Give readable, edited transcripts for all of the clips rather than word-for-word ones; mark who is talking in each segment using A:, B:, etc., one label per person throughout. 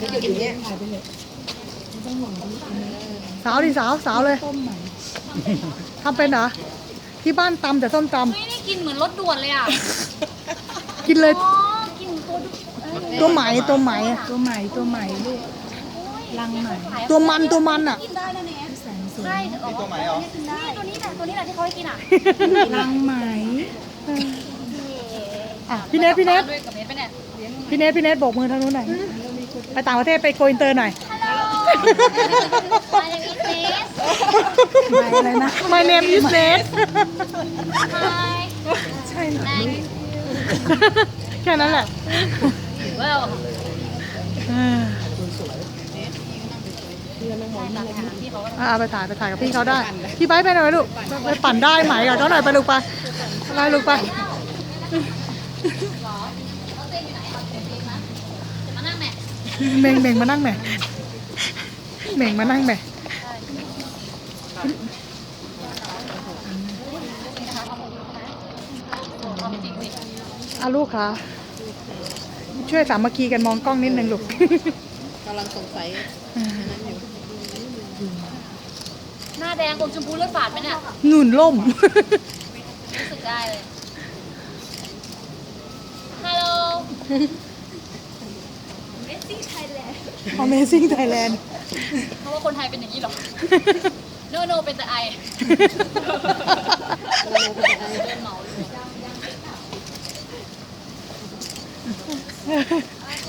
A: อย่างเงี้ย
B: สาวดิสาวเลยทำเป็นเหรอที่บ้านตำแต่ส้มต
C: ไม่ได้กินเหมือนรถด่วนเลยอ่ะ
B: ำกินเลย
C: อ๋อกิน
B: ตัวไหม
D: ตัวใหม่ลูกลังใหม่
B: ตัวมันอ่ะ
C: กินได้นะเนี่ยใช่ตัวไหนอ๋อนี่ตัวนี้แหละที่เขาให้กินอ่ะ
D: ลังไหม
B: อ่ะพี่เนท
C: ด้วยกับเนทไปเนี่ย
B: พี่เนทโบกมือทางนู้นหน่อยไปต่างประเทศไปโกอินเตอร์หน่อย
C: ฮัลโหล My name is Nate
D: อะไรนะ
B: My name is Nate
C: Hi
D: ใช่เหรอ
C: Thanks
B: แค่นั้นแหละ
C: Well
B: ไปถ่ายกับพี่เขาได้พี่ไบร์ทไปหน่อยลูกไปปั่นได้ไหมกับเขาหน่อยไปลูกไปลูกไป
C: มานั่งแม่
B: เม่งมานั่งแหม่ลูกค่ะช่วยสามัคคีกันมองกล้องนิดนึงลูก
A: กำลังสงสัยนั้นอยู่
C: หน้าแดงอมชมพูเลือดฝาดไหมเนี่ย
B: หนุนล่ม
C: รู้สึกได้เลย ฮัลโหล
B: Amazing Thailand
C: เพราะว่าคนไทยเป็นอย่างนี้หรอ โนเป็นแต่ไอโดนเหมาเลยโอเค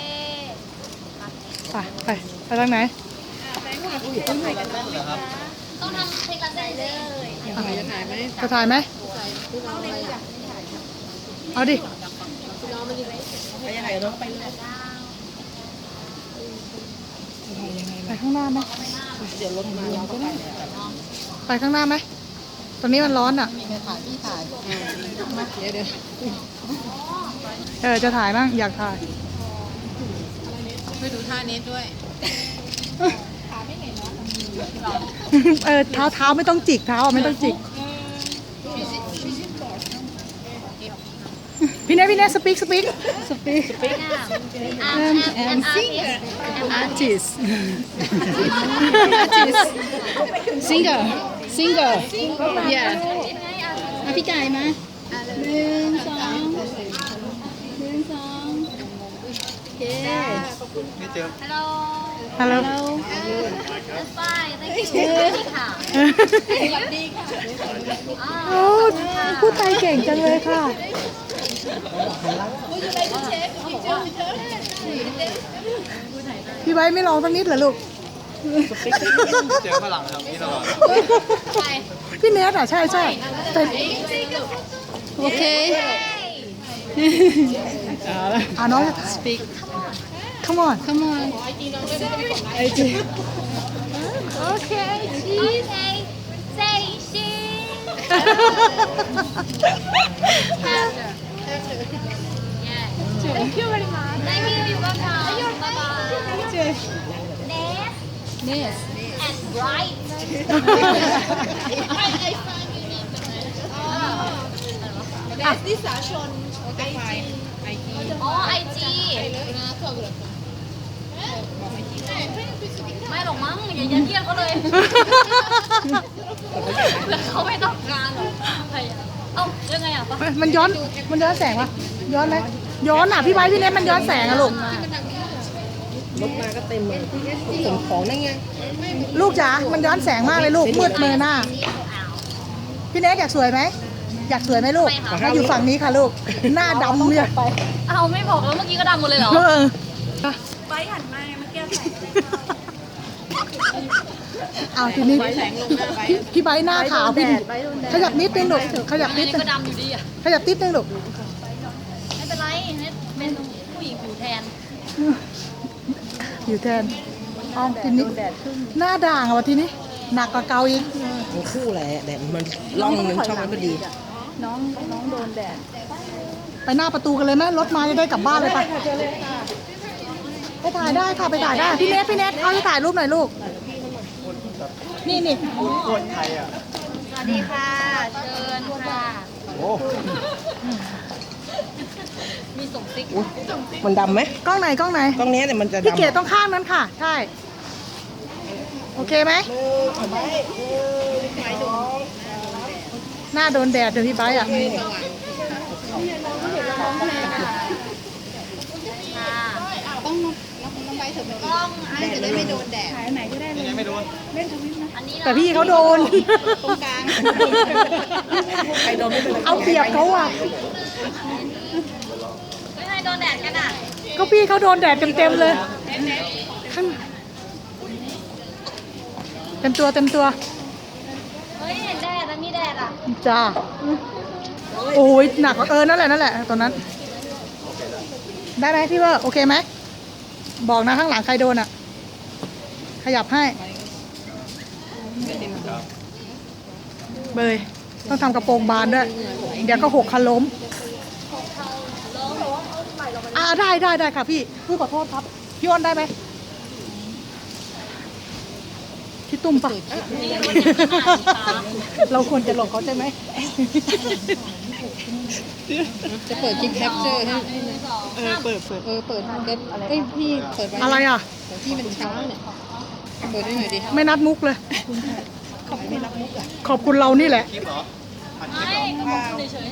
B: ไปทางไหน
C: ต้องทำเพลงละเส้นเลย
A: จะถ่ายไหม
B: จะถ่ายไหมเอาดิ
A: ไปยังไงเนาะไปเลย
B: ไปข้างหน้าไหม
A: เดี๋ยวรถมาเราก็ไป
B: ไปข้างหน้าไหมตอนนี้มันร้อนอ่ะ
A: ถ่ายพี่ถ่ายเดี๋ยว
B: จะถ่ายบ้างอยากถ่าย
A: ไปดูท่าเน็ตด้วย
B: เท้าไม่ต้องจิกเท้าไม่ต้องจิกพี่เนทสปีก
C: and
D: artist singer yeah พี่จ่ายมา1 2โอเค
C: ฮัลโหล
B: ฮัลโหล
C: That's fine thank you ค่ะสวัสดีค่ะ
B: โอ้พูดไทยเก่งจังเลยค่ะพี่ไบร์ทไม่ลองสักนิดเหรอลูก
E: เจอฝรั่งทำนี้ตลอด
B: พี่เนทใช่แต่
D: โอเค
B: น้อง
D: speak
B: come on
D: come on
C: Okay cheese say cheese yeah thank you very much thank you you're welcome bye bye
D: yes
C: and bright
A: นิสาชนไอจี
C: อ๋อ IG ไม่หรอกมั้งอย่ายัดเยียดเขาเลยแล้วเขาไม่ต้องการหรอกเอ้ายังไงอ่ะ
B: มันย้อนแสงวะย้อนไหมย้อนอ่ะพี่ไบร์ทพี่เนทมันย้อนแสงอะลูก
A: รถมาก็เต็มเลยขนของนั่นไง
B: ลูกจ๋ามันย้อนแสงมากเลยลูกมืดเลยหน้าพี่เนทอยากสวยไหมลูกมาอยู่ฝั่งนี้ค่ะลูกหน้าดำเนี่ย
C: เอาไม่บอกแล้วเมื่อกี้ก็ดำหมดเลยเหรอ
B: ไปหันมาเมื่อกี้เอาทีนี้พี่ไบร์ทหน้าขาวพี่ขยับนิดนึงลูกขยับนิดนึง
C: ก็ดำอยู่ดีอ่ะ
B: ขยับนิดนึงลูก
C: ไม่เป็นไรเป็นผู้หญิงผิวแทน
B: อยู่แทนเอาทีนี้หน้าด่างอะวะทีนี้หนักกว่าเก่าอีก
A: ทั้งคู่แหละแต่มันล่องหนึ่งช่องนั้นพอดี
D: น้องโดนแดด
B: ไปหน้าประตูกันเลยไหมรถมาจะได้กลับบ้านเลยไปไปถ่ายได้ค่ะไปถ่ายได้พี่เนทเอาให้ถ่ายรูปหน่อยลูกนี่
E: คนไทยอ่ะ
C: สวัสดีค่ะ เชิญค่ะ
E: โอ้
C: มี
A: มันดำไหม
B: กล้องไหนกล้องไหน
A: กล้องนี้เนี่ยมันจะดำ
B: พี่เก๋ต้องข้างนั้นค่ะ ใช่ โอเคไหมหน้าโดนแดดเดี๋ยวพี่ไบร์ทอ่ะ
D: ถ่ายอันไหนก็ได้เลย
E: ยังไม่โดน
D: เล่นทวิตนะ
B: แต่พี่เขาโดน
A: ตรงกลางใครโดนไม่เป็นไร
B: เอาเปรียบเขาอ่ะ
C: ไม่ให้โดนแดดกันอ่ะ
B: ก็พี่เขาโดนแดดเต็มๆเลยข้างเต็มตัวเต็มตัว
C: เฮ้ยเห็นแดดแล้วมีแดดอ่ะ
B: จ้า โอ้ยหนักนั่นแหละนั่นแหละตอนนั้น ได้ไหมพี่เวอร์โอเคไหมบอกนะข้างหลังใครโดนอ่ะ ขยับให้เบยต้องทำกระโปรงบานด้วย เดี๋ยวก็หกคันล้มได้ค่ะพี่ขอโทษครับ พี่อ้นได้ไหมพี่ตุ้มปะเราควรจะหลงเขาใช่ไหม
A: จะเปิดคลิปแคปเจอร์ให้เปิดอะไรพี่เปิดไว้
B: อะไรอ่ะ
A: ที่มันช้าเนี่ยเปิดได้หน่อยดิ
B: ไม่นัดมุกเลย ขอบคุณเรานี่แหละ
E: คลิปเหรอ
C: ไม่ก็บอกเฉยๆ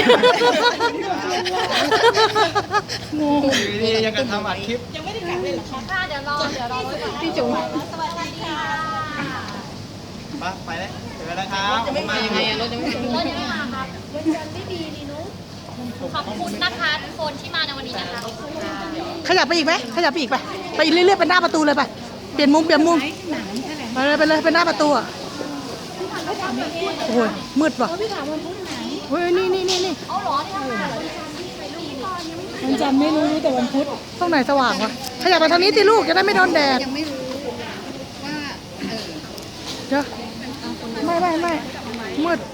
E: นี่ยังกันทำอัดคลิป
C: ค่ะเดี๋ยวรอไว้ก่อน
A: พี่จุ๋ม
C: สวัสดีค่ะ
E: ไปแล้วเจอแล้วครับผมมายังไง
A: รถยังไม่ถึง
C: รถยังไม่มาครับขอบคุณนะคะทุกคนที่มาในวันนี้นะคะ
B: ขยับไปอีกไหมขยับไปอีกไปเรื่อยๆเป็นหน้าประตูเลยไปเปลี่ยนมุมไปเลยเป็นหน้าประตูอ่ะโอ้ยมืดว่ะเฮ้ยนี่
C: เอาเหรอที่ทำงานเหรอ
D: มันจำไม่รู้แต่วันพุธ
B: ตรงไหนสว่างวะขยับไปทางนี้สิลูกจะได้ไม่โดนแดด
A: ยังไม่รู้ว่า
B: เดี๋ยวไม่มืด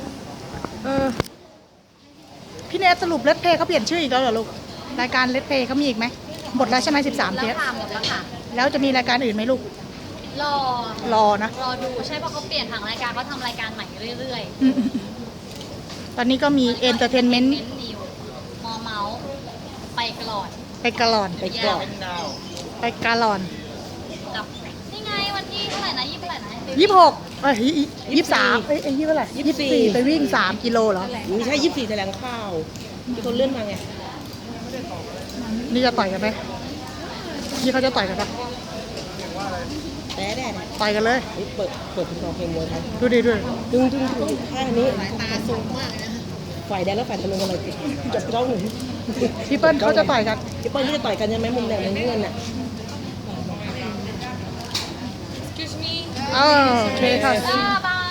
B: พี่เนทสรุปเลทเพย์เขาเปลี่ยนชื่ออีกแล้วเหรอลูกรายการเลทเพย์เขามีอีกไหมหมดแล้วใช่ไหม13
C: แล้
B: เท
C: ว
B: ป
C: ค่ะหมดแล้วค่ะ
B: แล้วจะมีรายการอื่นไหมลูก รอนะ
C: รอดูใช่เพราะเขาเปลี่ยนทางรายการเขาทำรายการใหม่เรื่อย
B: อืมตอนนี้ก็มีเอนเตอร์เทนเมนต์
C: นิวมอเมาส์ไปกลอด
B: ไปกาลอน
A: ไปกรอบ
E: ดาว
B: ไปกาลอน
C: กับนี่ไงวันที่เท่าไหร่นะยี่สิบเท่าไหร่นะ
B: 23ยี่เท่าไหร่24ไปวิ่ง3 กิโลเหรอ
A: ไม่ใช่24แถลงข่าวมีคนเลื่อนมาไง
B: นี่จะต่อยกันไหมนี่เขาจะต่อยกันปะ
A: แด่
B: ต่อยกันเลย
A: เปิดเป็นกองเพลงมวยไทย
B: ดูดิด้วย
A: ดึงข้างนี้ตาสูงมากนะฝ่ายแดงและฝ่ายตะลุงกันเลยจับกล้องหนึ่ง
B: พี่เปิ้ลเขาจะต่อยกัน
A: พี่เปิ้ลที่จะต่อยกันใช่ไหมมุมแดงมุมเงินน่ะ
B: โอเคค่ะ
C: บาย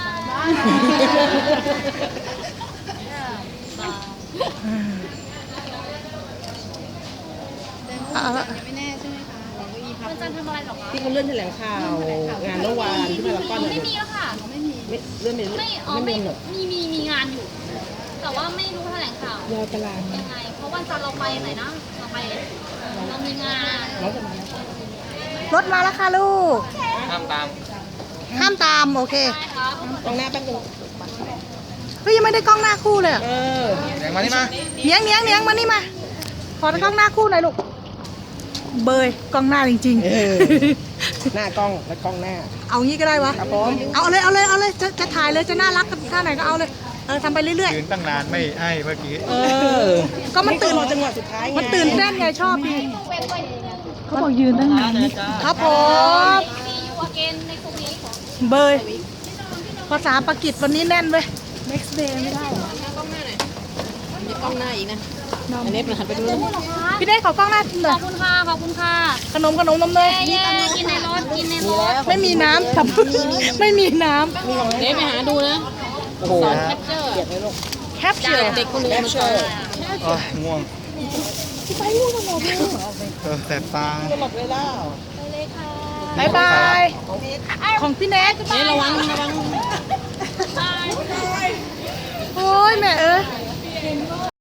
C: มันจะทำอะไรหรอคะ
A: ที่เขาเลื่อนแถลงข่าวงานเมื่อวานที่พารากอน
C: ไม่มีแล้วค่ะ
A: เลื่อนไป
C: ไม่มีงานอยู่ แต่ว่าไม่รู้แถลงข่าว
A: รอตลาด
C: ยังไง เพราะวันจันทร์เราไปไหนนะ เรามีงาน
A: น้องจะมาร
B: ถมาแล้วค่ะลูก
E: ห้ามตาม
B: ห้ามตามโอเค
C: ใช่ครับ
A: ตรงหน้าแป๊บนึง
B: เฮ้ยยังไม่ได้กล้องหน้าคู่เลยอะ
E: แสงมานี่มา
B: เนียงมานี่มา ขอกล้องหน้าคู่หน่อยลูก เบยกล้องหน้าจริง
A: หน้ากล้องและกล้องหน้า
B: ๆ เอางี้ก็ได้วะ
A: ครับผม
B: เอาเลยจะถ่ายเลยจะน่ารักท่าไหนก็เอาเลยทำไปเรื่อย
E: ยืนตั้งนานไม่ให้เมื่อกี้
B: ก็มันตื่น
A: รอจังหวะสุดท้ายไง
B: มันตื่นเต้นไงชอบดี
D: เขาบอกยืนตั้งนานนี่
B: ครับผม
C: มีอยู่อเกนในกลุ่มนี้
B: เบยภาษาปากีสวันนี้แน่นเว้ย
D: next day ไม่ได้เหรอ
A: มีกล้องหน้าอีกนะอันนี้หันไปดูนะ
B: พี่เนทขอกล้องหน้าหน่
C: ข
B: อ
C: อย บคุณค่ะ ขอบคุณค่ะ
B: ขนมนมเนย
C: เย้กินในรถ กินในรถ
B: ไม่มีน้ำครับไม่มีน้
A: เดี๋ยวไปหาดูนะโอ้โห
C: แคปเจอร์
A: เกลียดเลยลูก
B: ำแคปเจอร์
A: เด็กคนนึงมันเชิญ
E: โอ้ยง่วงแสบตา
A: ตลอดเวลา
B: บายบายของพี่เนท
A: ระวัง
B: โอ้ยแม่เอ้ย